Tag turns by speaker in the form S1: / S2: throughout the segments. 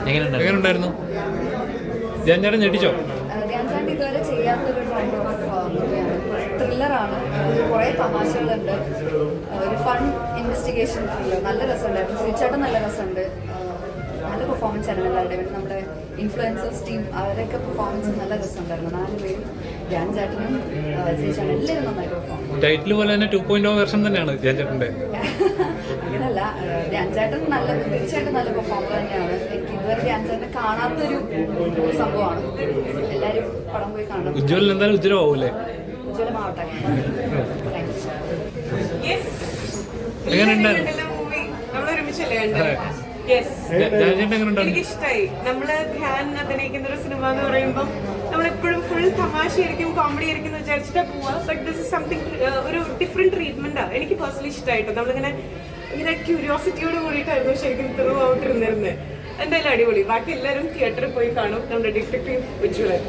S1: എങ്ങനെയുണ്ടായിരുന്നു? ധ്യാൻ ചേട്ടൻ ഞെട്ടിച്ചോ?
S2: ധ്യാൻ ചേട്ടൻ ഇതുവരെ ചെയ്യാത്തൊരു കൈൻഡ് ഓഫ് മൂവിയാണ്. ത്രില്ലറാണ്, കുറേ തമാശകളുണ്ട്, ഒരു ഫൺ ഇൻവെസ്റ്റിഗേഷൻ ത്രില്ലർ. നല്ല രസമുണ്ടായിരുന്നു. ശ്രീചേട്ടൻ നല്ല രസമുണ്ട്. നല്ല പെർഫോമൻസ് ആയിരുന്നു എല്ലാവരുടെയും. നമ്മുടെ ഇൻഫ്ലുവൻസേഴ്സ് ടീം അവരൊക്കെ പെർഫോമൻസ് നല്ല രസമുണ്ടായിരുന്നു. 4 പേരും ധ്യാൻ ചേട്ടനും ശ്രീചേട്ടനും എല്ലാവരും നന്നായിട്ട് പെർഫോം.
S1: ടൈറ്റിൽ പോലെ തന്നെ 2.0 വെർഷൻ തന്നെയാണ് ധ്യാൻ ചേട്ടൻ്റെ.
S2: അങ്ങനല്ല, ധ്യാൻ ചേട്ടൻ തീർച്ചയായിട്ടും നല്ല പെർഫോമർ തന്നെയാണ്. എനിക്ക് ഇതുവരെ ധ്യാൻ ചേട്ടനെ കാണാത്തൊരു സംഭവമാണ്. എല്ലാവരും പടം പോയി കാണണം.
S1: ഉജ്ജ്വലൻ എന്തായാലും ഉജ്ജ്വലമാവൂലേ?
S2: ഉജ്ജ്വലമാവട്ടെ.
S3: എനിക്കിഷ്ടായി. നമ്മള് ധ്യാൻ അഭിനയിക്കുന്ന ഒരു സിനിമ എന്ന് പറയുമ്പോൾ നമ്മളെപ്പോഴും ഫുൾ തമാശയായിരിക്കും, കോമഡി ആയിരിക്കും എന്ന് വിചാരിച്ചിട്ടാ പോവാ. ബട്ട് ദിസ് ഇസ് സംതിങ്, ഒരു ഡിഫറെന്റ് ട്രീറ്റ്മെന്റാ. എനിക്ക് പേഴ്സണലി ഇഷ്ടമായിട്ടോ. നമ്മളിങ്ങനെ ക്യൂരിയോസിറ്റിയോട് കൂടിയിട്ടായിരുന്നു ശരിക്കും ത്രൂ ഔട്ട് ഇരുന്നിരുന്നത്. എന്തായാലും അടിപൊളി. ബാക്കി എല്ലാവരും തിയേറ്ററിൽ പോയി കാണും. നമ്മുടെ ഡിറ്റക്റ്റീവ് ഉജ്ജ്വലൻ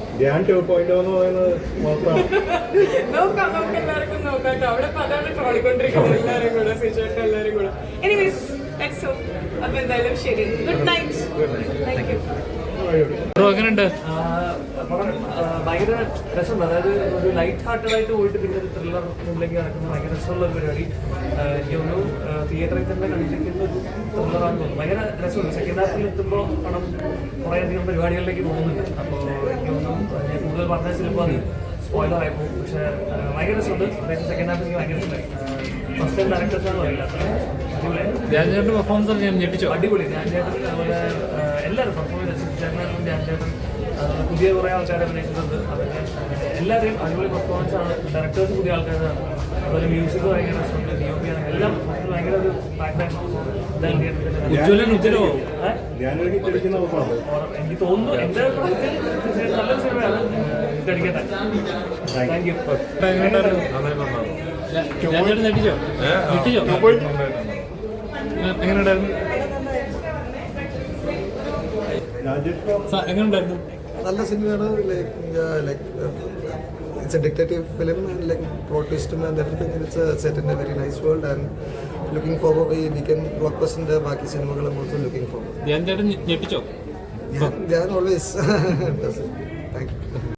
S3: നോക്കാം, നമുക്ക് എല്ലാവർക്കും നോക്കാം കേട്ടോ. അവിടെ അതാണ് ട്രോളിക്കൊണ്ടിരിക്കുന്നത് എല്ലാവരും കൂടെ, സിജുവേട്ടൻ എല്ലാവരും കൂടെ. Anyways let's hope. അപ്പൊ എന്തായാലും ശരി, ഗുഡ് നൈറ്റ്. Thank you.
S1: എങ്ങനെയുണ്ട്?
S4: ഭയങ്കര രസമുണ്ട്. അതായത് ഒരു ലൈറ്റ് ഹാർട്ടഡ് ആയിട്ട് പോയിട്ട് പിന്നെ ഒരു ത്രില്ലർ മുമ്പിലേക്ക് നടക്കുന്ന ഭയങ്കര രസമുള്ള ഒരു പരിപാടി. എനിക്ക് തോന്നുന്നു തിയേറ്ററിൽ തന്നെ കണ്ടിരിക്കുന്ന ഒരു ത്രില്ലറാണെന്ന് തോന്നുന്നു. ഭയങ്കര രസമുണ്ട്. സെക്കൻഡ് ഹാഫിൽ എത്തുമ്പോൾ പണം കുറേയധികം പരിപാടികളിലേക്ക് പോകുന്നുണ്ട്. അപ്പോൾ എനിക്ക് തോന്നുന്നു ഞാൻ കൂടുതൽ പറഞ്ഞാൽ ചിലപ്പോൾ അത് സ്പോയിലർ ആയിപ്പോകും. പക്ഷേ ഭയങ്കര രസമുണ്ട്. അതായത് സെക്കൻഡ് ഹാഫ് എനിക്ക് ഭയങ്കര ഇഷ്ടമായി. ഫസ്റ്റ് ടൈം ഡയറക്ടേഴ്സാണെന്ന് പറയില്ല,
S1: ധ്യാൻ ചേട്ടൻ്റെ പെർഫോമൻസ് ഞാൻ ഞെട്ടിച്ചോ?
S4: അടിപൊളി. ധ്യാൻ ചേട്ടൻ അതുപോലെ എല്ലാവരും പെർഫോമൻസ് ചേട്ടനും ധ്യാൻ ചേട്ടൻ പുതിയ കുറേ ആൾക്കാരെ അഭിനയിച്ചിട്ടുണ്ട്. അതൊക്കെ എല്ലാവരെയും അടിപൊളി പെർഫോമൻസ് ആണ്. ഡയറക്ടേഴ്സ് പുതിയ ആൾക്കാരാണ്. അതുപോലെ മ്യൂസിക് ഭയങ്കര രസമുണ്ട്. DOP ആണെങ്കിൽ എല്ലാം ഭയങ്കര ഒരു
S1: ഉജ്ജ്വലൻ ഉജ്ജ്വലമോ?
S4: എനിക്ക് തോന്നുന്നു എൻ്റെ നല്ലൊരു സിനിമയാണ്. ഇതടിക്കട്ടെ. Thank you.
S1: ധ്യാൻ ചേട്ടൻ ഞെട്ടിച്ചോ? എങ്ങനെയുണ്ടായിരുന്നു? എങ്ങനെയുണ്ടായിരുന്നു?
S5: നല്ല സിനിമയാണ്. Like it's a detective film and like plot twist and everything, and it's set in a very nice world and looking forward we can blockbuster the baaki cinemagal I'm also looking forward.
S1: Dhyan ചേട്ടൻ ഞെട്ടിച്ചോ?
S5: Yeah, always does it. Thank you.